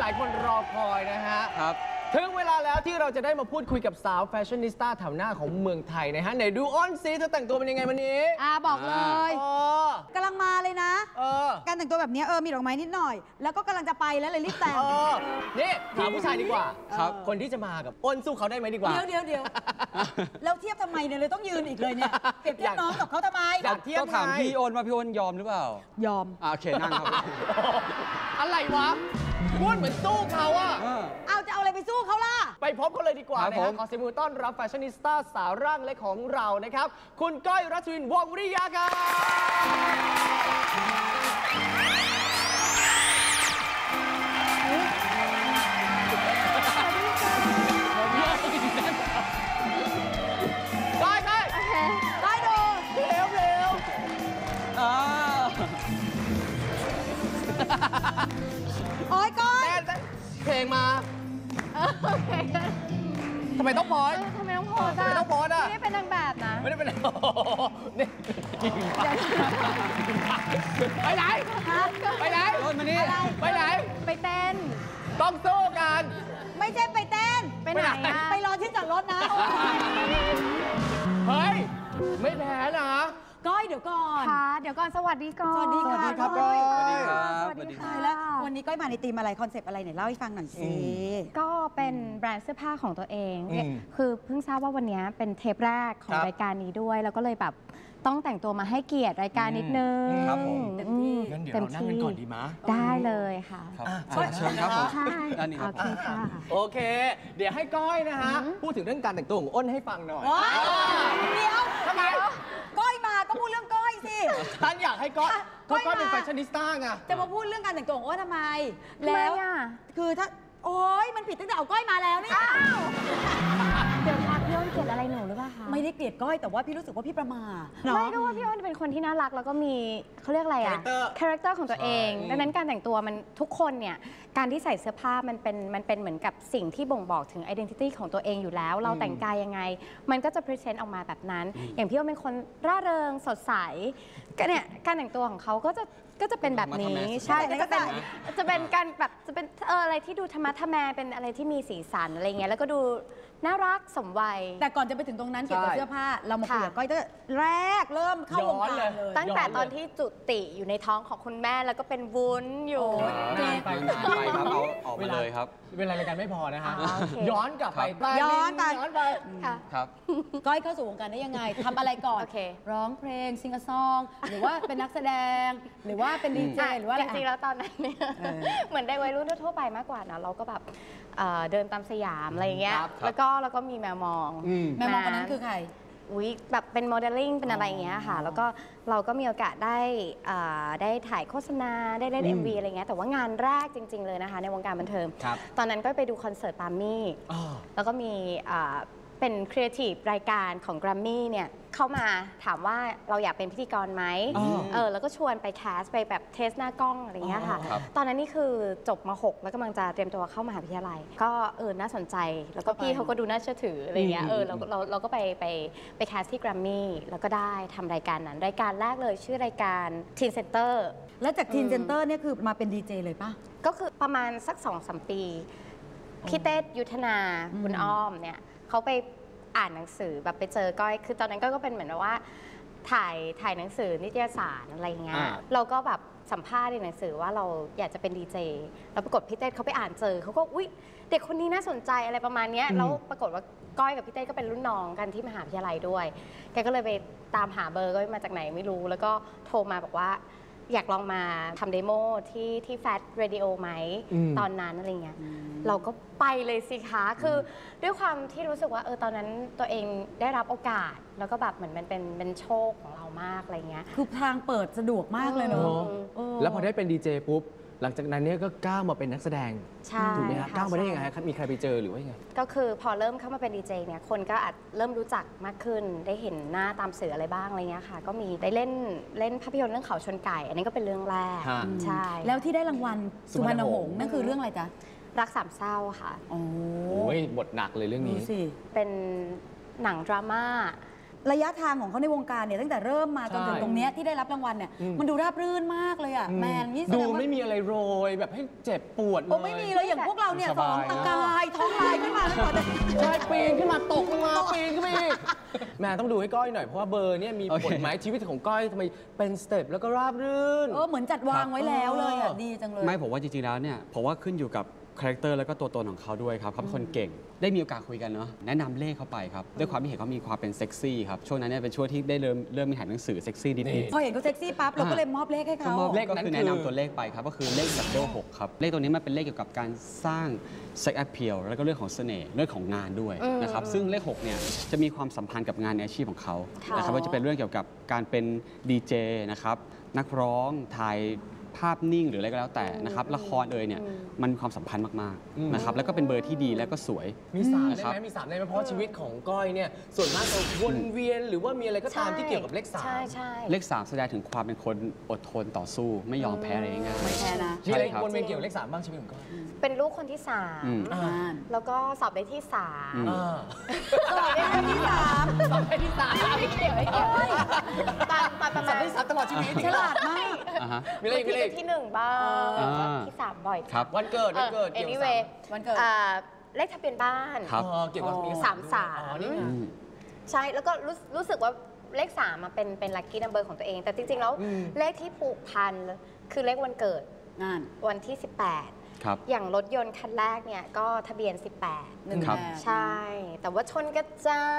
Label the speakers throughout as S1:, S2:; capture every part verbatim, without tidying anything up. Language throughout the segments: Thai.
S1: ายคนรอคอยนะฮะ
S2: ครับ
S1: ถึงเวลาแล้วที่เราจะได้มาพูดคุยกับสาวแฟชั่นนิสต้าแถวหน้าของเมืองไทยนะฮะไหนดูอ้อนซีเธอแต่งตัวเป็นยังไงวันนี้
S3: อ่าบอกเลยกำลังมาเลยนะ
S1: เออ
S3: การแต่งตัวแบบนี้เออมีดอกไม้นิดหน่อยแล้วก็กำลังจะไปแล้วเลยรีบแต่ง
S1: เออนี่ถามผู้ชายดีกว่า
S2: ครับ
S1: คนที่จะมากับอ้นสู้เขาได้ไหมดีกว่า
S3: เดี๋ยวเดี๋ยวเดี๋ยวแล้วเทียบทำไมเนี่ยเลยต้องยืนอีกเลยเนี่ยเปรียบเทียบน้องกับเขาทำไม
S1: อยากเทียบ
S2: ต้องถามพี่โอนว่าพี่โอนยอมหรือเปล่าย
S3: อม
S2: อ่าโอเคนั่งครับ
S1: อะไรวะพูดเหมือนสู้เขาอะ
S3: เอาจะเอาอะไรไปสู้เขาล่ะ
S1: ไปพบเขาเลยดีกว่านะฮะขอเสียงปรบมือต้อนรับแฟชั่นนิสต้าสาวร่างเล็กของเรานะครับคุณก้อยรัชวินวงศ์วิริยาครับก้อยก้อย
S3: ก้อยดู
S1: เร็วเร็ว
S3: โอ้ยก้อย
S1: เพลงมาทำไมต้องโพส
S4: ทำไมต้องโพส
S1: ทำไมต้องโพสอ่ะ
S4: ไม่ได้เป็นนางแบบนะ
S1: ไม่ได้เป็นนี่ไปไหนไปไหน
S2: โอนมานี่
S1: ไปไหน
S4: ไปเต้น
S1: ต้องสู้กัน
S3: ไม่ใช่ไปเต้น
S4: ไปไหนอะ
S3: ไปรอที่จอดรถนะ
S1: เฮ้ยไม่แพ้นะ
S3: ก้อยเดี๋ยวก่อน
S4: ค่ะเดี๋ยวก่อนสวัสดีก่อน
S3: สวัสดีค่ะ
S1: ครับก้อย
S2: สวัสดีครับ
S4: สวัสดีค่ะ
S3: แล้ววันนี้ก้อยมาในธีมอะไรคอนเซปต์อะไรไหนเล่าให้ฟังหน่อยสิ
S4: ก็เป็นแบรนด์เสื้อผ้าของตัวเองคือเพิ่งทราบว่าวันนี้เป็นเทปแรกของรายการนี้ด้วยแล้วก็เลยแบบต้องแต่งตัวมาให้เกียรติรายการนิดนึง
S1: ครับผม
S3: เต็มที่
S1: งั้นเดี๋ยวเรานั่งกันก่อนดีมั้ย
S4: ได้เลยค่ะ
S1: เชิญครับผม
S4: ใช่โอเคค่ะ
S1: โอเคเดี๋ยวให้ก้อยนะฮะพูดถึงเรื่องการแต่งตัวของอ้นให้ฟังหน่อย
S3: เดี๋ยว
S1: ทำไม
S3: ก้อยมาก็พูดเรื่องก้อยสิ
S1: ฉันอยากให้ก้อยก้อยเป็นแฟชั่นนิสต้าไง
S3: จะมาพูดเรื่องการแต่งตัวของอ้นทำไมแล้วคือถ้าโอ๊ยมันผิดตั้งแต่เอาก้อยมาแล้วนี่
S4: เดี๋ยวพักพี่อ้นเกลียดอะไรหนูหรือเปล่าคะ
S3: ไม่ได้เกลียดก้อยแต่ว่าพี่รู้สึกว่าพี่ประมาท
S4: ไม่ก็ว่าพี่อ้นเป็นคนที่น่ารักแล้วก็มีเขาเรียกอะไรอะคาแรคเตอร์ของตัวเองดังนั้นการแต่งตัวมันทุกคนเนี่ยการที่ใส่เสื้อผ้ามันเป็นมันเป็นเหมือนกับสิ่งที่บ่งบอกถึง identity ของตัวเองอยู่แล้วเราแต่งกายยังไงมันก็จะ present ออกมาแบบนั้นอย่างพี่อ้นเป็นคนร่าเริงสดใสก็เนี่ยการแต่งตัวของเขาก็จะก็จะเป็นแบบนี้ใช่แล้วก็เป็นจะเป็นการแบบจะเป็นเอออะไรที่ดูธรรมะธรรแมเป็นอะไรที่มีสีสันอะไรเงี้ยแล้วก็ดูน่ารักสมวัย
S3: แต่ก่อนจะไปถึงตรงนั้นเกี่ยวกับเสื้อผ้าเรามาคุยกับก้อยตั้งแต่แรกเริ่มเข้าวงการเลย
S4: ตั้งแต่ตอนที่จุติอยู่ในท้องของคุณแม่แล้วก็เป็นวุ้นอยู่
S1: นานไปนาน
S2: ไปครับเอาออกมาเลยครับ
S1: เวลารายการไม่พอนะฮะย้อนกลับไป
S3: ย้อนไป
S1: ย้อนไป
S2: ครับ
S3: ก้อยเข้าสู่วงการได้ยังไงทำอะไรก่อนร้องเพลงซิงซองหรือว่าเป็นนักแสดงหรือว่าเป็นดีเจหรือว่า
S4: จริงๆแล้วตอนนั้นเนี่ยเหมือนได้วัยรุ่นทั่วไปมากกว่านะเราก็แบบเดินตามสยามอะไรเงี้ยแล้วก็แล้วก็มีแมวมอง
S3: แมวมองคนนั้นคือใคร
S4: อุ้ยแบบเป็นโมเดลลิ่งเป็นอะไรอย่างเงี้ยค่ะแล้วก็เราก็มีโอกาสได้ได้ถ่ายโฆษณาได้เล่น เอ็ม วี อะไรเงี้ยแต่ว่างานแรกจริงๆเลยนะคะในวงการบันเทิงตอนนั้นก็ไปดูคอนเสิร์ตปามี่แล้วก็มีเป็นครีเอทีฟรายการของ Grammy เนี่ยเข้ามาถามว่าเราอยากเป็นพิธีกรไหมเออแล้วก็ชวนไปแคสไปแบบเทสหน้ากล้องอะไรเงี้ยค่ะตอนนั้นนี่คือจบม หกแล้วกำลังจะเตรียมตัวเข้ามหาวิทยาลัยก็เออน่าสนใจแล้วก็พี่เขาก็ดูน่าเชื่อถืออะไรเงี้ยเออเราเราเราก็ไปไปไปแคสที่ Grammy แล้วก็ได้ทำรายการนั้นรายการแรกเลยชื่อรายการ Teen Center
S3: แล้วจาก Teen Center เนี่ยคือมาเป็นดีเจเลยป่ะ
S4: ก็คือประมาณสัก สองสาม ปีพี่เต้ยุทธนาคุณอ้อมเนี่ยเขาไปอ่านหนังสือแบบไปเจอก้อยคือตอนนั้นก็เป็นเหมือนว่าถ่ายถ่ายหนังสือนิตยสารอะไรเงี้ยเราก็แบบสัมภาษณ์ในหนังสือว่าเราอยากจะเป็นดีเจแล้วปรากฏพี่เต้เขาไปอ่านเจอเขาก็อุ๊ยเด็กคนนี้น่าสนใจอะไรประมาณนี้แล้วปรากฏว่าก้อยกับพี่เต้ก็เป็นรุ่นน้องกันที่มหาวิทยาลัยด้วยแกก็เลยไปตามหาเบอร์ก้อยมาจากไหนไม่รู้แล้วก็โทรมาบอกว่าอยากลองมาทำเดโมที่ที่แฟชเรดิโอไหมตอนนั้นอะไรเงี้ยเราก็ไปเลยสิคะคือด้วยความที่รู้สึกว่าเออตอนนั้นตัวเองได้รับโอกาสแล้วก็แบบเหมือนมันเป็นเป็นโชคของเรามากอะไรเงี้ย
S3: คือทางเปิดสะดวกมากเลยเนาะ
S1: แล้วพอได้เป็นดีเจปุ๊บหลังจากนั้นเนี่ยก็ก้าวมาเป็นนักแสดงถูกไหมคะก้าวมาได้ยังไงครับมีใครไปเจอหรือว่ายังไง
S4: ก็คือพอเริ่มเข้ามาเป็นดีเจเนี่ยคนก็อาจเริ่มรู้จักมากขึ้นได้เห็นหน้าตามสื่ออะไรบ้างอะไรเงี้ยค่ะก็มีได้เล่นเล่นภาพยนตร์เรื่องเขาชนไก่อันนี้ก็เป็นเรื่องแรกใช่
S3: แล้วที่ได้รางวัลสุพรรณหงส์นั่นคือเรื่องอะไรจ๊ะ
S4: รักสามเศร้าค่ะ
S1: โอ้ยบทหนักเลยเรื่องนี้
S4: เป็นหนังดราม่า
S3: ระยะทางของเขาในวงการเนี่ยตั้งแต่เริ่มมาจนถึง
S1: ใช่
S3: ตรงเนี้ยที่ได้รับรางวัลเนี่ย
S1: อืม
S3: มันดูราบรื่นมากเลยอ่ะแมนนี่แส
S1: ดู
S3: ดงว่า
S1: ไม่มีอะไรโรยแบบให้เจ็บปวดเลย
S3: โอ้ไม่มีเลยอย่างพวกเราเนี่ย
S2: ส
S3: ส
S2: บา
S3: อง
S2: ย
S3: ตะกายท้องลายขึ้นมาแล้วหมด
S1: ใช่ปีนขึ้นมาตกลงมาปีนขึ้นมาอีกแม่ต้องดูให้ก้อยหน่อยเพราะว่าเบอร์เนี่ยมี
S2: โอเค
S1: ผลไหมชีวิตของก้อยทำไมเป็นสเต็ปแล้วก็ราบรื่น
S3: เออเหมือนจัดวางไว้แล้วเลยอ่ะ
S1: เออ
S3: ดีจังเลย
S2: ไม่ผมว่าจริงๆแล้วเนี่ยผมว่าขึ้นอยู่กับคาแรคเตอร์แล้วก็ตัวตนของเขาด้วยครับเขาเป็นคนเก่ง ได้มีโอกาสคุยกันเนาะแนะนำเลขเขาไปครับด้วยความที่เห็นเขามีความเป็นเซ็กซี่ครับช่วงนั้นเนี่ยเป็นช่วงที่ได้เริ่มเริ่มมีถ่ายหนังสือเซ็กซี่นิด
S1: นี่
S3: พอเห็นเขาเซ็กซี่ปั๊บเราก็เลยมอบเลขให้
S2: ๆก็
S3: เขา
S2: มอบ
S1: เล
S2: เล
S1: ข
S2: ข
S1: นั้
S2: ก็
S1: น
S2: คือแนะ
S1: คือ
S2: นำตัวเลขไปครับก็คือเลขดับเบิลหกครับเลขตัวนี้มันเป็นเลขเกี่ยวกับการสร้างเซ็กแอพเพียลแล้วก็เรื่องของเสน่ห์เรื่องของงานด้วยนะครับซึ่งเลขหกเนี่ยจะมีความสัมพันธ์กับงานในอาชีพของเขานะครับว่าจะเป็นเรื่องเกี่ยวกับการเป็นดีเจนะครับนักร้องถ่ายภาพนิ่งหรืออะไรก็แล้วแต่นะครับละครเอ่ยเนี่ยมันมีความสัมพันธ์มาก
S1: อืม
S2: ๆนะครับแล้วก็เป็นเบอร์ที่ดีแล้วก็สวย
S1: มีสามได้
S2: ครั
S1: ไหม
S2: บ
S1: มีสามได้ไหมเพราะว่าชีวิตของก้อยเนี่ยส่วนมากจะวนเวียนหรือว่ามีอะไรก็ตามที่เกี่ยวกับเลขสาม
S4: ใช่ใช่
S2: เลขสามแสดงถึงความเป็นคนอดทนต่อสู้ ไม่ยอมแพ้อะไรง่าย
S3: ไม่แพ้นะ
S1: มีอะไร
S2: ใช่ครับ
S1: วนเวียนเกี่ยวกับเลขสามบ้างชีวิตของก้อย
S4: เป็นลูกคนที่สาม
S2: อืม
S1: อ่า
S4: แล้วก็สอบได้ที่สาม
S2: อืม
S1: อ่า
S3: สอบได้ที่สาม
S1: สอบได้ที่สาม
S4: ไม่เกี่ยวไม่เกี่ยวตอนตอนประ
S1: สอ
S4: มา
S1: บ
S4: ณ
S1: ได้ที่สามตลอดชีวิต
S3: ฉลาดมาก
S2: อ่าฮะ
S1: มีอะไรอีกมีอะไร
S4: ที่
S1: อีก
S4: ที่หนึ่งบ้าง
S2: อ่า
S4: ที่สามบ่อย
S2: ครับ
S1: วันเกิดวันเกิด
S4: เออ
S1: เกี่ยวกับ
S4: anyway
S3: วันเกิด
S4: อ่าเลขทะเบียนบ้าน
S2: ครับ
S1: เออเกี่ยวกับมี
S4: สามสาม
S1: อ๋อนี่ไง
S2: อืม
S4: ใช่ แล้วก็รู้รู้สึกว่าเลขสามมาเป็นเป็นลัคกี้นัมเบอร์ของตัวเอง แต่จริง ๆ แล้ว
S1: อืม
S4: เลขที่ผูกพันคือเลขวันเกิด
S3: งาน
S4: วันที่ สิบแปด
S2: ครับ
S4: อย่างรถยนต์คันแรกเนี่ยก็ทะเบียน สิบแปด
S3: หนึ่ง
S2: ครับ
S3: แปด
S4: ใช่ แต่ว่าชนกระจาย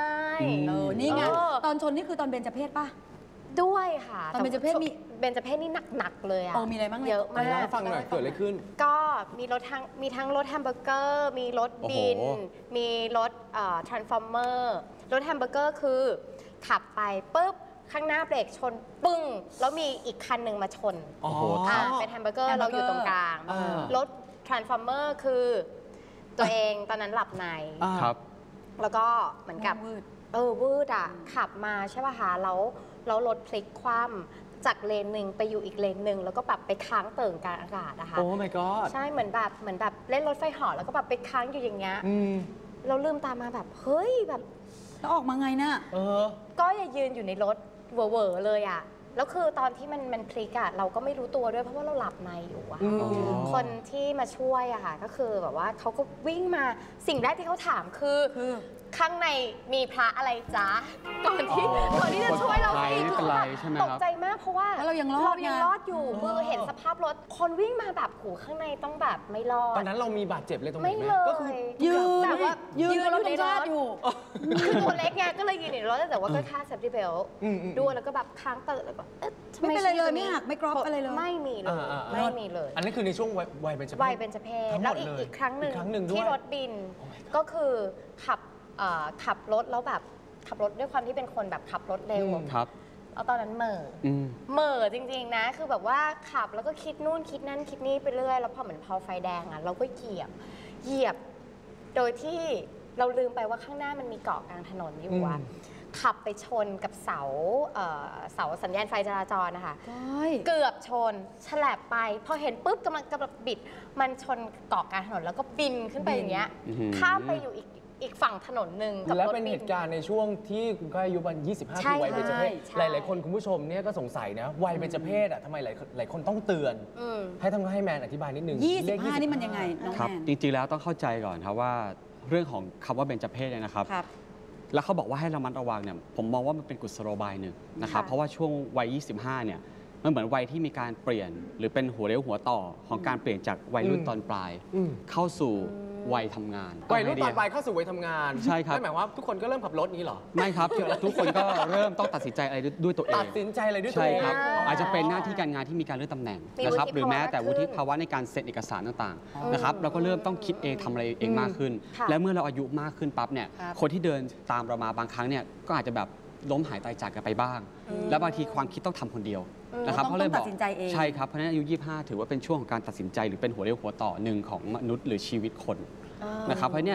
S2: อืม
S3: เออนี่ไง
S4: เออ
S3: ตอนชนนี่คือตอนเบญจเพศป่ะ
S4: ด้วยค่ะ
S3: ตอนเบญจเพศมี
S4: เบญจเพศนี่หนัก ๆ เลยอะ
S3: เออมีอะไรบ้างเนี่ย
S4: เยอะ
S1: ไหน
S4: มาก
S1: เล่าให้ฟังหน่อยเกิดอะไรขึ้น
S4: ก็มีรถทั้งมีทั้งรถแฮมเบอร์เกอร์ มีรถบิน
S2: โอ้โห
S4: มีรถเอ่อทรานส์ฟอร์เมอร์รถแฮมเบอร์เกอร์คือขับไปปุ๊บ ข้างหน้าเบรกชนปึ้ง แล้วมีอีกคันหนึ่งมาชน
S1: อ๋อ
S4: อ่าเป็นแฮมเบอร์เกอร์
S3: แฮมเบอ
S4: เรา
S3: ร์เก
S4: อ
S3: อร์
S4: ยู่ตรงกลาง
S1: อ่าร
S4: ถทรานส์ฟอร์เมอร์คือตัวเองตอนนั้นหลับใน
S1: อ่า
S2: ครับ
S4: แล้วก็เหมือนกับ
S3: วืด
S4: เออวืดอ่ะ ขับมาใช่ป่ะคะแล้วแล้วรถพลิกคว่ำจากเลนหนึ่งไปอยู่อีกเลนหนึ่งแล้วก็แบบไปค้างเติ่งกลางอากาศนะคะ
S1: โอ้ my god
S4: ใช่เหมือนแบบเหมือนแบบเล่นรถไฟเหาะแล้วก็แบบไปค้างอยู่อย่างเงี้ย
S1: อืม
S4: เราลืมตามาแบบเฮ้ยแบบ
S3: แล้วออกมาไงน่ะ
S1: เออ
S4: ก็อย่ายืนอยู่ในรถเวอร์ๆเลยอ่ะแล้วคือตอนที่มันมันพลิกอ่ะเราก็ไม่รู้ตัวด้วยเพราะว่าเราหลับในอยู่อะ
S1: อืม
S4: คนที่มาช่วยอะค่ะก็คือแบบว่าเขาก็วิ่งมาสิ่งแรกที่เขาถามคือ
S3: คือ
S4: ข้างในมีพระอะไรจ๊ะก่อนที่
S2: อ๋อ
S4: ก่อนที่จะช่วยเรา
S2: ปลอดภัย
S4: สิ
S2: ไม่เป็นไรใช่ไหมครับ
S4: ตกใจมากเพราะว่า
S3: แล้วเรายังรอด
S4: เรายัง
S3: ไง
S4: รอดอยู่คือเห็นสภาพรถคนวิ่งมาแบบหูข้างในต้องแบบไม่รอ
S1: ตอ
S4: ด
S1: นนั้นเรามีบาดเจ็บเลยตรงไหน
S4: ไม่
S1: ไหม
S4: เล
S1: ก็คือย
S3: ยืน
S4: แต่ว่า
S3: ยืน
S4: ยืน
S3: เขา
S4: อยู่
S3: ธ
S4: ใน
S3: ง
S4: ร
S3: ชา
S4: ถ
S3: ติอยู่
S4: คือตัวเล็กไงก็เลยยืนอยู่ในรถแต่ว่าก็ค่าเซฟตี้เบล
S1: อืมอืม
S4: ด้วยแล้วก็แบบค้างเติร์แล้วก็อ๊ะทำ
S3: ไม่เป็นไรเลย
S4: ชีวิต
S3: ไม่หักไม่กรอบอะไรเลย
S4: ไม่มีเลย
S1: อ่าอ่าอ่า
S4: ไม่มีเลย
S1: อันนั้นคือในช่วงวัยวัยเป็นจเพศ
S4: วัยเป็นจเพศ
S1: ทั้งหมด
S4: แล้วอีก
S1: เลย
S4: อีกครั้งหนึ่ง
S1: อีกครั้งหนึ่งด้วย
S4: ที่รถบิน
S1: Oh my god
S4: ก็คือขับเอ่อขับรถแล้วแบบขับรถด้วยความที่เป็นคนแบบขับรถเร็ว
S1: อืม
S2: ครับ
S4: แล้วตอนนั้นเหม่อ
S2: อืม
S4: เหม่อจริง ๆ นะ คือแบบว่าขับแล้วก็คิดนู่นคิดนั่นคิดนี่ไปเรื่อยแล้วพอเหมือนพอไฟแดงอ่ะเราก็เหยียบเหยียบ โดยที่เราลืมไปว่าข้างหน้ามันมีเกาะกลางถนนอยู่อ่ะ
S1: อืม
S4: ขับไปชนกับเสาเอ่อเสาสัญญาณไฟจราจรนะคะ
S3: ก้อย
S4: เกือบชนฉลับไป พอเห็นปุ๊บกำลังกำลังบิด มันชนเกาะกลางถนนแล้วก็บินขึ้นไปอย่างเงี้ย
S2: อื้อหือ
S4: ข้ามไปอยู่อีกอีกฝั่งถนนหนึ่งกับ
S1: และ
S4: รถ
S1: เป็น
S4: บิ
S1: เหตุการณ์ในช่วงที่คุณก้อยอายุวันยี่สิบห้า
S4: ใช่
S1: ปีวัยเบญจเพศ
S4: ใช่
S1: หลาย ๆ คนคุณผู้ชมเนี่ยก็สงสัยนะวัยเบญจเพศอ่ะทำไมหลายหลายคนต้องเตือน
S4: อืม
S1: ให้ต้องให้แมนอธิบายนิดนึง
S3: ยี่สิ
S1: เล
S3: บ
S1: ข
S3: ห้านี่มันยังไงน้อง
S2: ครับ
S3: แมน
S2: จริงๆแล้วต้องเข้าใจก่อนครับว่าเรื่องของคำว่าเบญจเพศเนี่ยนะครับ
S3: ครับ
S2: แล้วเขาบอกว่าให้ระมัดระวังเนี่ยผมมองว่ามันเป็นกุศโลบายหนึ่งนะครับ
S4: ค่ะ
S2: เพราะว่าช่วงวัย ยี่สิบห้า เนี่ยมันเหมือนวัยที่มีการเปลี่ยน หรือเป็นหัวเลี้ยวหัวต่อของการเปลี่ยนจากวัยรุ่น
S1: อืม
S2: ตอนปลาย
S1: อืม
S2: เข้าสู่วัยทำงาน
S1: วัยรุ่น
S2: เาไงดี
S1: ตอนปลายเข้าสู่วัยทำงาน
S2: ใช่ครับ
S1: นั่นหมายว่าทุกคนก็เริ่มขับรถนี้เหรอ
S2: ไม่ครับ ทุกคนก็เริ่มต้องตัดสินใจอะไรด้วยตัวเอง
S1: ตัดสินใจอะไรด้วยตัว
S2: ใช่
S1: เอง
S2: ครับ
S4: อ๋ออ
S2: อาจจะเป็นหน้าที่การงานที่มีการเลื่อนตำแหน่ง
S4: มี
S2: นะครับ
S4: วุฒิ
S2: หรือแม้แต่
S4: ภาวะ
S2: วุฒิ
S4: ขึ้น
S2: ภาวะในการเซ็นเอกสารต่าง
S3: อ๋อ
S2: ๆนะครับเราก็เริ่มต้องคิดเองทำอะไรเองมากขึ้น
S4: ค่ะ
S2: และเมื่อเราอายุมากขึ้นปั๊บเนี่ย
S3: ครับ
S2: คนที่เดินตามเรามาบางครั้งเนี่ยก็อาจจะแบบล้มหายตายจากกันไปบ้าง และบางทีความคิดต้องทำคนเดียวนะครับ
S3: ต้อง
S2: เขาเลย
S3: ต้อง
S2: บ
S3: ตั
S2: อก
S3: ดสินใจเอง
S2: ใช่ครับเพราะฉะนั้นอายุ ยี่สิบห้า ถือว่าเป็นช่วงของการตัดสินใจหรือเป็นหัวเรี่ยวหัวต่อหนึ่งของมนุษย์หรือชีวิตคนนะครับเพราะเนี่ย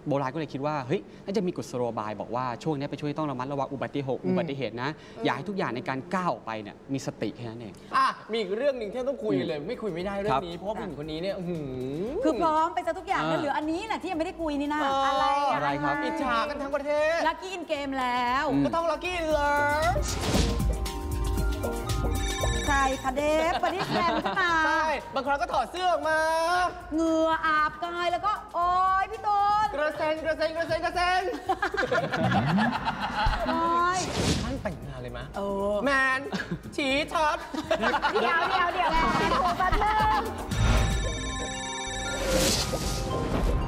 S2: โบราณก็เลยคิดว่าเฮ้ยน่าจะมีกุศโลบายบอกว่าช่วงนี้ไปช่วยต้องระมัดระวังอุบัติเหตุอุบัติเหตุนะอยากให้ทุกอย่างในการก้าวออกไปเนี่ยมีสติแค่นั้นเอง
S1: อ่ะมีอีกเรื่องหนึ่งที่ต้องคุยเลย ไม่คุยไม่ได้เรื่อ
S2: ครั
S1: ง
S2: บ
S1: นี้ เพราะว่าผู้หญิงคนนี้เนี่ยอื้อหื
S3: คือพร้อมไปซะทุกอย่าง
S2: อ่า
S3: แล้วเหลืออันนี้แหละที่ยังไม่ได้คุยนี่นะ
S1: อะไร
S2: อะไรครับ
S1: อิจฉากันทั้งประเทศ
S3: ลักกี้อินเกมแล้ว
S1: ก็ต้องลักกี้เลย
S3: ใครคะเดฟปฏิแซมขึ้นมา
S1: ใช่บางครั้งก็ถอดเสื้อออกมา
S3: เหงื่ออาบกายแล้วก็ โอ๊ยพี่ตูน
S1: กระเซ็นกระเซ็นกระเซ็นกระเซ็น
S3: โอ๊ย
S1: ท่านแต่งงานเลยมะ
S3: เออ
S1: แมนฉีช็อต
S4: เดี๋ยวเดี๋ยวเดี๋ยวแม่โทรแป๊บนึง